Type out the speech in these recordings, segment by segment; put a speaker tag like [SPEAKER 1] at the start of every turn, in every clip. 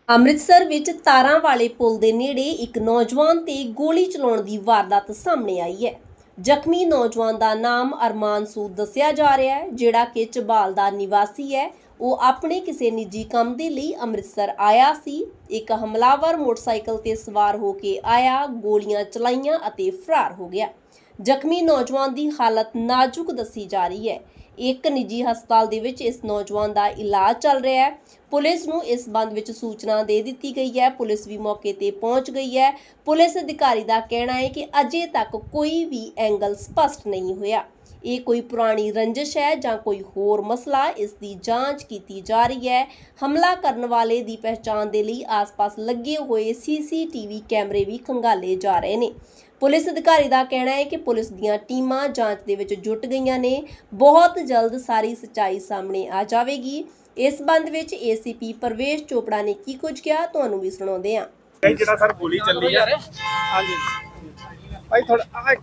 [SPEAKER 1] ਅੰਮ੍ਰਿਤਸਰ ਵਿੱਚ ਤਾਰਾਂ ਵਾਲੇ ਪੁਲ ਦੇ ਨੇੜੇ ਇੱਕ ਨੌਜਵਾਨ ਤੇ ਗੋਲੀ ਚਲਾਉਣ ਦੀ ਵਾਰਦਾਤ ਸਾਹਮਣੇ ਆਈ ਹੈ। ਜ਼ਖਮੀ ਨੌਜਵਾਨ ਦਾ ਨਾਮ ਅਰਮਾਨ ਸੂਦ ਦੱਸਿਆ ਜਾ ਰਿਹਾ ਹੈ, ਜਿਹੜਾ ਕਿ ਝਬਾਲ ਦਾ ਨਿਵਾਸੀ ਹੈ। ਉਹ ਆਪਣੇ ਕਿਸੇ ਨਿੱਜੀ ਕੰਮ ਦੇ ਲਈ ਅੰਮ੍ਰਿਤਸਰ ਆਇਆ ਸੀ। ਇੱਕ ਹਮਲਾਵਰ ਮੋਟਰਸਾਈਕਲ ਤੇ ਸਵਾਰ ਹੋ ਕੇ ਆਇਆ, ਗੋਲੀਆਂ ਚਲਾਈਆਂ ਅਤੇ ਫਰਾਰ ਹੋ ਗਿਆ। ਜ਼ਖਮੀ ਨੌਜਵਾਨ ਦੀ ਹਾਲਤ ਨਾਜ਼ੁਕ ਦੱਸੀ ਜਾ ਰਹੀ ਹੈ। ਇੱਕ ਨਿੱਜੀ ਹਸਪਤਾਲ ਦੇ ਵਿੱਚ ਇਸ ਨੌਜਵਾਨ ਦਾ ਇਲਾਜ ਚੱਲ ਰਿਹਾ ਹੈ। ਪੁਲਿਸ ਨੂੰ ਇਸ ਸੰਬੰਧ ਵਿੱਚ ਸੂਚਨਾ ਦੇ ਦਿੱਤੀ ਗਈ ਹੈ। ਪੁਲਿਸ ਵੀ ਮੌਕੇ ਤੇ ਪਹੁੰਚ ਗਈ ਹੈ। ਪੁਲਿਸ ਅਧਿਕਾਰੀ ਦਾ ਕਹਿਣਾ ਹੈ ਕਿ ਅਜੇ ਤੱਕ ਕੋਈ ਵੀ ਐਂਗਲ ਸਪਸ਼ਟ ਨਹੀਂ ਹੋਇਆ। ਇਹ ਕੋਈ ਪੁਰਾਣੀ ਰੰਜਿਸ਼ ਹੈ ਜਾਂ ਕੋਈ ਹੋਰ ਮਸਲਾ, ਇਸ ਦੀ ਜਾਂਚ ਕੀਤੀ ਜਾ ਰਹੀ ਹੈ। ਹਮਲਾ ਕਰਨ ਵਾਲੇ ਦੀ ਪਹਿਚਾਣ ਦੇ ਲਈ ਆਸ-ਪਾਸ ਲੱਗੇ ਹੋਏ ਸੀਸੀਟੀਵੀ ਕੈਮਰੇ ਵੀ ਖੰਗਾਲੇ ਜਾ ਰਹੇ ਨੇ। ਪੁਲਿਸ ਅਧਿਕਾਰੀ ਦਾ ਕਹਿਣਾ ਹੈ ਕਿ ਪੁਲਿਸ ਦੀਆਂ ਟੀਮਾਂ ਜਾਂਚ ਦੇ ਵਿੱਚ ਜੁਟ ਗਈਆਂ ਨੇ। ਬਹੁਤ ਜਲਦ ਸਾਰੀ ਸੱਚਾਈ ਸਾਹਮਣੇ ਆ ਜਾਵੇਗੀ। ਇਸ ਸੰਬੰਧ ਵਿੱਚ ਏਸੀਪੀ ਪ੍ਰਵੇਸ਼ ਚੋਪੜਾ ਨੇ ਕੀ ਕੁਝ ਕਿਹਾ, ਤੁਹਾਨੂੰ ਵੀ ਸੁਣਾਉਂਦੇ ਹਾਂ।
[SPEAKER 2] ਜਿਹੜਾ ਸਰ ਗੋਲੀ ਚੱਲੀ ਆ ਹਾਂਜੀ ਭਾਈ ਥੋੜਾ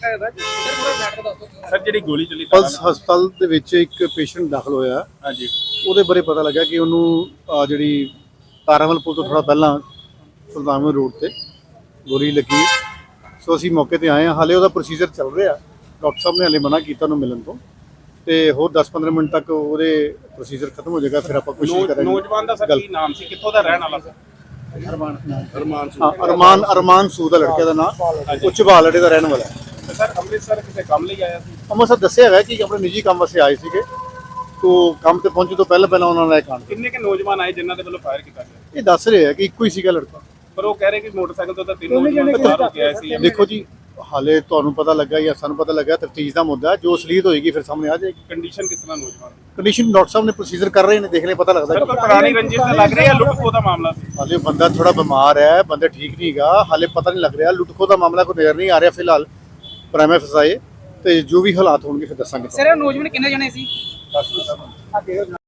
[SPEAKER 2] ਸਰ ਜਿਹੜੀ ਗੋਲੀ ਚੱਲੀ
[SPEAKER 3] ਪਲਸ ਹਸਪਤਾਲ ਦੇ ਵਿੱਚ ਇੱਕ ਪੇਸ਼ੈਂਟ ਦਾਖਲ ਹੋਇਆ।
[SPEAKER 2] ਹਾਂਜੀ
[SPEAKER 3] ਉਹਦੇ ਬਾਰੇ ਪਤਾ ਲੱਗਾ ਕਿ ਉਹਨੂੰ ਜਿਹੜੀ ਤਾਰਾਮਲ ਪੁਲ ਤੋਂ ਥੋੜਾ ਪਹਿਲਾਂ ਸੁਲਤਾਨਪੁਰ ਰੋਡ ਤੇ ਗੋਲੀ ਲੱਗੀ। ਸੋ ਅਸੀਂ ਮੌਕੇ ਤੇ ਆਏ ਹਾਂ। ਹਾਲੇ ਉਹਦਾ ਪ੍ਰੋਸੀਜਰ ਚੱਲ ਰਿਹਾ। ਡਾਕਟਰ ਸਾਹਿਬ ਨੇ ਹਾਲੇ ਮਨਾ ਕੀਤਾ ਉਹਨੂੰ ਮਿਲਣ ਤੋਂ, ਤੇ ਹੋਰ 10-15 ਮਿੰਟ ਤੱਕ ਉਹਦੇ ਪ੍ਰੋਸੀਜਰ ਖਤਮ ਹੋ ਜਾਏਗਾ। ਫਿਰ ਆਪਾਂ ਕੋਸ਼ਿਸ਼ ਕਰਾਂਗੇ।
[SPEAKER 2] ਨੌਜਵਾਨ ਦਾ ਸਰ ਕੀ ਨਾਮ ਸੀ, ਕਿੱਥੋਂ ਦਾ ਰਹਿਣ ਵਾਲਾ ਸੀ?
[SPEAKER 3] ਅਰਮਾਨ ਸੂਦ ਦਾ ਲੜਕੇ ਦਾ ਨਾਮ, ਉਹ ਝਬਾਲ ਅੱਡੇ ਦਾ ਰਹਿਣ ਵਾਲਾ ਹੈ।
[SPEAKER 2] ਸਰ ਅੰਮ੍ਰਿਤਸਰ ਕਿਸੇ ਕੰਮ ਲਈ ਆਇਆ ਸੀ?
[SPEAKER 3] ਅੰਮ੍ਰਿਤਸਰ ਦੱਸਿਆ ਹੈਗਾ ਕਿ ਆਪਣੇ ਨਿੱਜੀ ਕੰਮ ਵਾਸਤੇ ਆਏ ਸੀਗੇ। ਤੋਂ ਕੰਮ ਤੇ ਪਹੁੰਚਣ ਤੋਂ ਪਹਿਲਾਂ ਉਹਨਾਂ ਨੇ ਕਾਂਡ।
[SPEAKER 2] ਕਿੰਨੇ ਕੇ ਨੌਜਵਾਨ ਆਏ ਜਿਨ੍ਹਾਂ ਦੇ ਵੱਲੋਂ ਫਾਇਰ ਕੀਤਾ ਗਿਆ?
[SPEAKER 3] ਇਹ ਦੱਸ ਰਹੇ ਆ ਕਿ ਇੱਕੋ ਹੀ ਸੀਗਾ ਲੜਕਾ,
[SPEAKER 2] ਪਰ ਉਹ ਕਹਿ ਰਹੇ ਕਿ ਮੋਟਰਸਾਈਕਲ ਤੋਂ ਤਾਂ ਤਿੰਨ ਨੌਜਵਾਨ ਸਵਾਰ ਹੋ ਕੇ ਆਏ ਸੀ।
[SPEAKER 3] ਦੇਖੋ ਜੀ, ਹਾਲੇ ਤੁਹਾਨੂੰ ਪਤਾ ਲੱਗਾ ਜਾਂ ਸਾਨੂੰ ਪਤਾ ਲੱਗਾ, ਤਫਤੀਸ਼ ਦਾ ਮੁੱਦਾ ਜੋ ਅਸਲੀਅਤ ਹੋਏਗੀ ਫਿਰ ਸਾਹਮਣੇ ਆ ਜਾਏਗੀ।
[SPEAKER 2] ਕੰਡੀਸ਼ਨ ਕਿਸ ਤਰ੍ਹਾਂ ਨੌਜਵਾਨ?
[SPEAKER 3] ਕੰਡੀਸ਼ਨ ਡਾਕਟਰ ਸਾਹਿਬ ਨੇ ਪ੍ਰੋਸੀਜਰ ਕਰ ਰਹੇ ਨੇ, ਦੇਖਣੇ ਪਤਾ ਲੱਗਦਾ।
[SPEAKER 2] ਸਰ ਕੋਈ ਪੁਰਾਣੀ ਰੰਜਿਸ਼ ਤਾਂ ਲੱਗ ਰਹੀ ਹੈ, ਲੁੱਟ ਖੋਹ ਦਾ ਮਾਮਲਾ ਸੀ?
[SPEAKER 3] ਹਾਲੇ ਬੰਦਾ ਥੋੜਾ ਬਿਮਾਰ ਹੈ, ਬੰਦਾ ਠੀਕ ਨਹੀਂ ਹੈਗਾ, ਹਾਲੇ ਪਤਾ ਨਹੀਂ ਲੱਗ ਰਿਹਾ। ਲੁੱਟ ਖੋਹ ਦਾ ਮਾਮਲਾ ਕੋਈ ਨਜ਼ਰ ਨਹੀਂ ਆ ਰਿਹਾ ਫਿਲਹਾਲ। ਪ੍ਰਾਈਮੇ ਫਸਾਏ ਤੇ ਜੋ ਵੀ ਹਾਲਾਤ ਹੋਣਗੇ ਫਿਰ ਦੱਸਾਂਗੇ।
[SPEAKER 4] ਸਰ ਨੌਜਵਾਨ ਕਿੰਨੇ ਜਣੇ ਸੀ?